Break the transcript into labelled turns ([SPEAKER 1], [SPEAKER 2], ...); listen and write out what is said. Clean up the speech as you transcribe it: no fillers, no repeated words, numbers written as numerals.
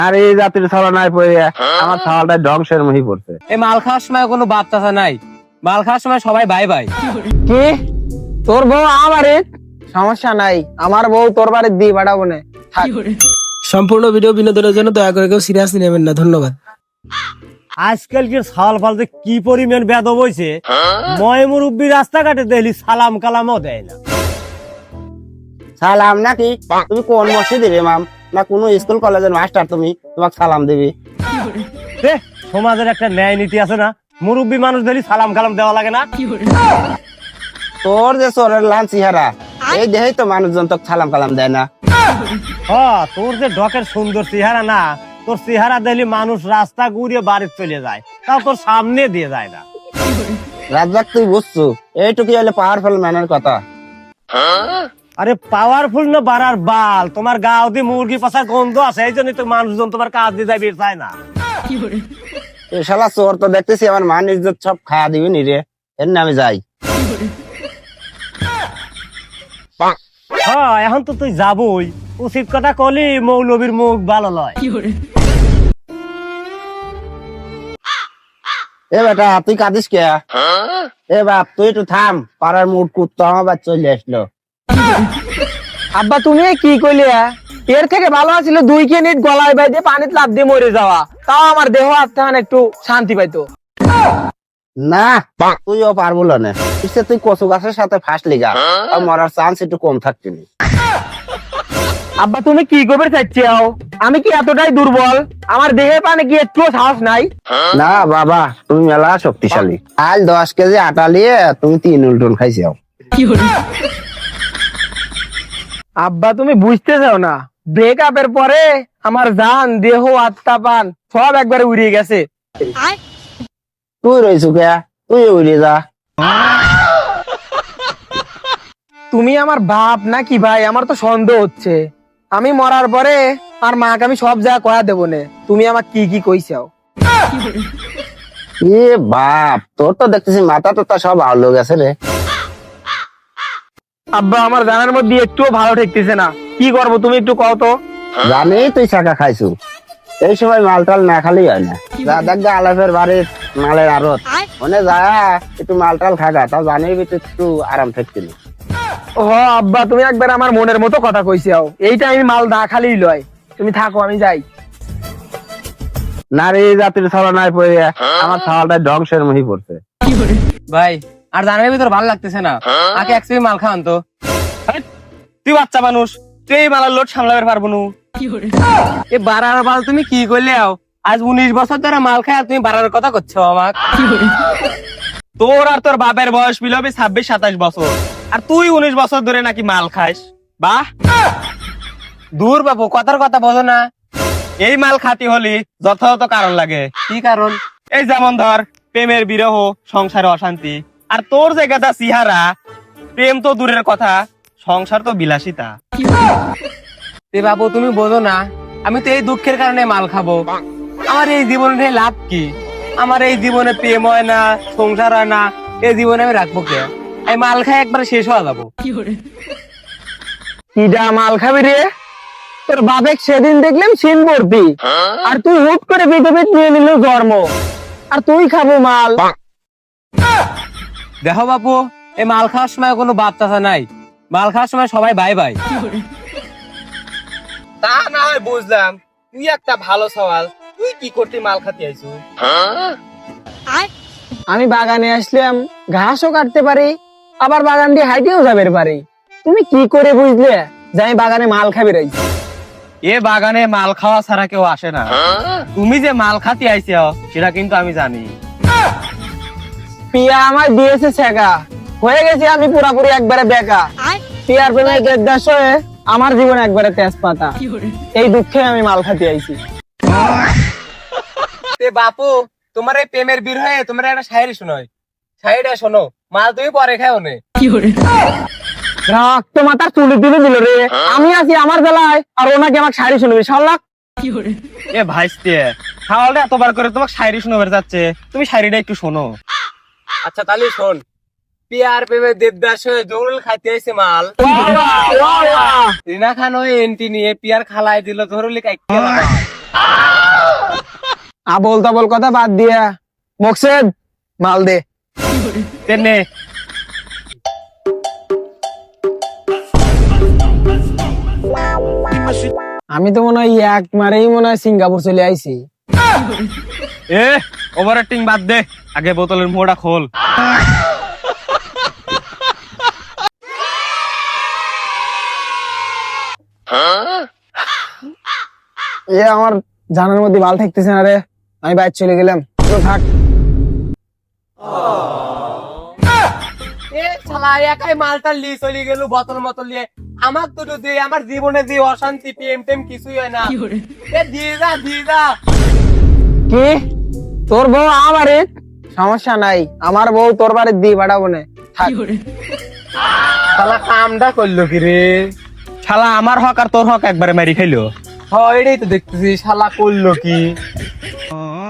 [SPEAKER 1] আর এই জাতির ছাড়া নাই পড়ে আমার ছাওয়ালটা ধ্বংসের মুখে পড়ছে।
[SPEAKER 2] এই মাল খাওয়ার সময় কোনো বাপ চাচা নাই, মাল খাওয়ার সময় সবাই ভাই ভাই।
[SPEAKER 3] কি তোর বউ আমার সমস্যা নাই, আমার বউ তোর বাড়ির দিয়ে পাঠাবো না।
[SPEAKER 4] সম্পূর্ণ ভিডিও বিনোদনের জন্য দয়া করে কেউ সিরিয়াসলি নেবেন না, ধন্যবাদ।
[SPEAKER 5] আজকালকার সাল ফালতে কি পরিমাণ বেদব হইছে, ময় মুরব্বী রাস্তাঘাটে দেখলি সালাম কালামও দেয় না।
[SPEAKER 1] সালাম নাকি? তুমি কোন মসজিদে ইমাম না কোন স্কুল কলেজের মাস্টার? তুমি তোমাকে সালাম দিবি?
[SPEAKER 5] সমাজের একটা ন্যায় নীতি আছে না, মুরব্বী মানুষ দেখলি সালাম কালাম দেওয়া লাগে না?
[SPEAKER 1] তোর যে চোরের লান চেহারা, এই দেহেই তো মানুষজন তোকে সালাম কালাম দেয় না।
[SPEAKER 5] তোর যে ডকের সুন্দর চেহারা না, তোর চেহারা দেখলি মানুষ রাস্তা ঘুরিয়ে বাড়ি চলে যায়, তাও তোর সামনে দিয়ে যায় না।
[SPEAKER 1] রাজ্জাক তুই বুঝছো, এইটুকু হলে পাওয়ারফুল ম্যানের কথা।
[SPEAKER 5] আরে পাওয়ারফুল না বাড়ার বাল, তোমার গাও দিয়ে মুরগি পাশার গন্ধ আছে, এই জন্য তো মানুষজন তোমার কাজ দিয়ে যাবে চায় না।
[SPEAKER 1] এই শালা চোর তো দেখতেছি আমার মান ইজ্জত সব খায়া দিবি নি রে, এর আমি যাই।
[SPEAKER 5] এখন তো তুই যাবই, উচিত কথা কলি মৌলবীর মুখ ভালো লয়।
[SPEAKER 1] এ বেটা তুই কাঁদিস কে? এ বাপ তুই একটু থাম, পাড়ার মুড কুত্তা আমার চলে আসলো।
[SPEAKER 3] আব্বা তুমি কি কইলে? এর থেকে ভালো আছিল 2 মিনিট গলায় বাইতে পানিতে লাফ দিয়ে মরে যাওয়া, তাও আমার দেহ আত্মহান একটু শান্তি পাইতো।
[SPEAKER 1] না তুইও পারবো না, তুই কচু গাছের সাথে ফাঁসলি গা, আর মরার চান্স একটু কম থাকছিলি।
[SPEAKER 3] আব্বা তুমি কি করবে চাচ্ছিও? আমি কি এতটাই দুর্বল? আমার দেহে পানে কি একটু সাহস নাই?
[SPEAKER 1] না বাবা, তুমি মেলা শক্তিশালী। আজ 10 কেজি আটা নিয়ে তুমি 3 উল্টন খাইছাও।
[SPEAKER 3] আব্বা তুমি বুঝতে চাও না, ব্রেকআপের পরে আমার জান দেহ আত্মা পান সব একবারে উড়িয়ে গেছে।
[SPEAKER 1] তুই রয়েছো কে? তুই উড়ে যা।
[SPEAKER 3] তুমি আমার বাপ নাকি ভাই? আমার তো সন্দেহ হচ্ছে। আমি মরার পরে আর মাকে আমি সব জায়গা কয়া দেবো না, তুমি আমার কি কি কইছাও।
[SPEAKER 1] এ বাপ, তোর তো দেখতেছি মাথা তো সব আলো গেছে রে।
[SPEAKER 3] আব্বা আমার জানার মধ্যে একটুও ভালো ঠেকতেছে না, কি করবো তুমি একটু কও তো।
[SPEAKER 1] জানি তুই চাকা খাইছু, এই সময় মালটাল না খালি হয় না। যা দেখ গা আলাপের বাড়ির মালের আড়ত, মনে যা একটু মালটাল খাগা, তাও জানি তুই একটু আরাম থাকছিল।
[SPEAKER 3] ও আব্বা তুমি একবার আমার মনের মতো কথা কইছাও, এইটা আমি মাল না খালি লয়, তুমি থাকো আমি যাই।
[SPEAKER 1] নারী জাতির ছাড়া নাই পড়ে আমার ছাওয়ালটা ধ্বংসের মুখে পড়ছে।
[SPEAKER 2] ভাই আর জানার ভিতর ভালো লাগতেছে না, আগে এক মাল খাওয়ান তো। তুই বাচ্চা মানুষ, তুই এই মালার লোড সামলাতে পারবো না। এ বাড়ার বাল তুমি কি করলে? আজ 19 বছর ধরে মাল খায় আর তুমি বাড়ার কথা করছো আমাক। তোর আর তোর বাপের বয়স মিলবে 26-27 বছর, আর তুই 19 বছর ধরে নাকি মাল খাইস? বাহ দূর বাবু, কথার কথা বোঝো না। এই মাল খাতি হলি যথাযথ কারণ লাগে। কি কারণ? এই যেমন ধর প্রেমের বিরহ, সংসারে অশান্তি, আর তোর যে গাদা চেহারা, প্রেম তো দূরের কথা, সংসার তো বিলাসিতা। বাবু তুমি বোঝো না, আমি তো এই দুঃখের কারণে মাল খাবো। আমার এই জীবনে লাভ কি? আমার এই জীবনে প্রেম হয় না, সংসার হয় না, এই জীবনে আমি রাখবো কে? এই মাল খাই একবার শেষ হয়ে যাবো।
[SPEAKER 3] কিডা মাল খাবি রে? তোর বাপেক সেদিন দেখলাম সিন ভর্তি, আর তুই হুট করে বিধবিত নিয়ে নিল জন্ম, আর তুই খাবো মাল।
[SPEAKER 2] দেখো বাপু, এই মাল খাওয়ার সময় কোনো বাপ চাচা নাই, মাল খাওয়ার সময় সবাই ভাই ভাই। তা না হয় বুঝলাম, তুই একটা ভালো সওয়াল, তুই কি করতে মাল খাতে আইছু?
[SPEAKER 3] আমি বাগানে আসলাম, ঘাসও কাটতে পারি, আবার বাগান দিয়ে হাইটেও যাবে পারি। তুমি কি করে বুঝলে যে আমি বাগানে মাল খাবি রাই?
[SPEAKER 2] এ বাগানে মাল খাওয়া ছাড়া কেউ আসে না। তুমি যে মাল খাতে আইছো সেটা কিন্তু আমি জানি।
[SPEAKER 3] পিয়া আমার দিয়েছে ছেঁকা, হয়ে গেছি আমি পুরাপুরি একবারে বেকা। পিয়ার প্রেমে দেড় হয়ে আমার জীবন একবারে তেজপাতা, এই দুঃখে আমি মাল খাতে আইছি।
[SPEAKER 2] বাপু তোমার এই প্রেমের বিরহে তোমার একটা শায়রি শোনাই, শায়রিটা শোনো। মাল তুমি পরে খাও নে।
[SPEAKER 3] রক্ত মাথার চুলি তুলে দিল রে, আমি আছি আমার জেলায় আর ওনাকে আমাকে শাড়ি শুনবি শালা।
[SPEAKER 2] এ ভাইস্তে খাওয়ালটা এতবার করে তোমাকে শায়রি শোনাবার যাচ্ছে, তুমি শায়রিটা একটু শোনো। আচ্ছা তাহলে শোন। পিয়ার পেবে দেবদাস হয়ে জরুল খাইতে এসে মাল রিনা খান ওই এন্টি নিয়ে পিয়ার খালাই দিল জরুলি কাইতে
[SPEAKER 3] আবল তাবল কথা বাদ দিয়া মকসেদ মাল দে।
[SPEAKER 2] তেনে
[SPEAKER 3] আমি তো মনে হয় এক মারেই মনে হয় সিঙ্গাপুর চলে আইছি।
[SPEAKER 2] এ ওভার অ্যাক্টিং বাদ দে, আগে বোতলের মোড়া খোল।
[SPEAKER 3] আমার জানার মধ্যে ভাল থাকতেছে না রে, আমি বাইরে চলে গেলাম, তো থাক।
[SPEAKER 2] এ শালা একাই মালটা লি চলে গেল বোতল মতল নিয়ে। আমার তো যদি আমার জীবনে যে অশান্তি প্রেম টেম কিছুই হয় না। এ দিয়ে যা
[SPEAKER 3] কি তোর বউ আমারে? সমস্যা নাই, আমার বউ তোর বাড়ি দিয়ে পাঠাবো না, থাক।
[SPEAKER 2] শালা কামটা করলো কি রে?
[SPEAKER 5] শালা আমার হক আর তোর হক একবারে মারি খাইলো।
[SPEAKER 2] হয় এটাই তো দেখতেছি শালা করলো কি।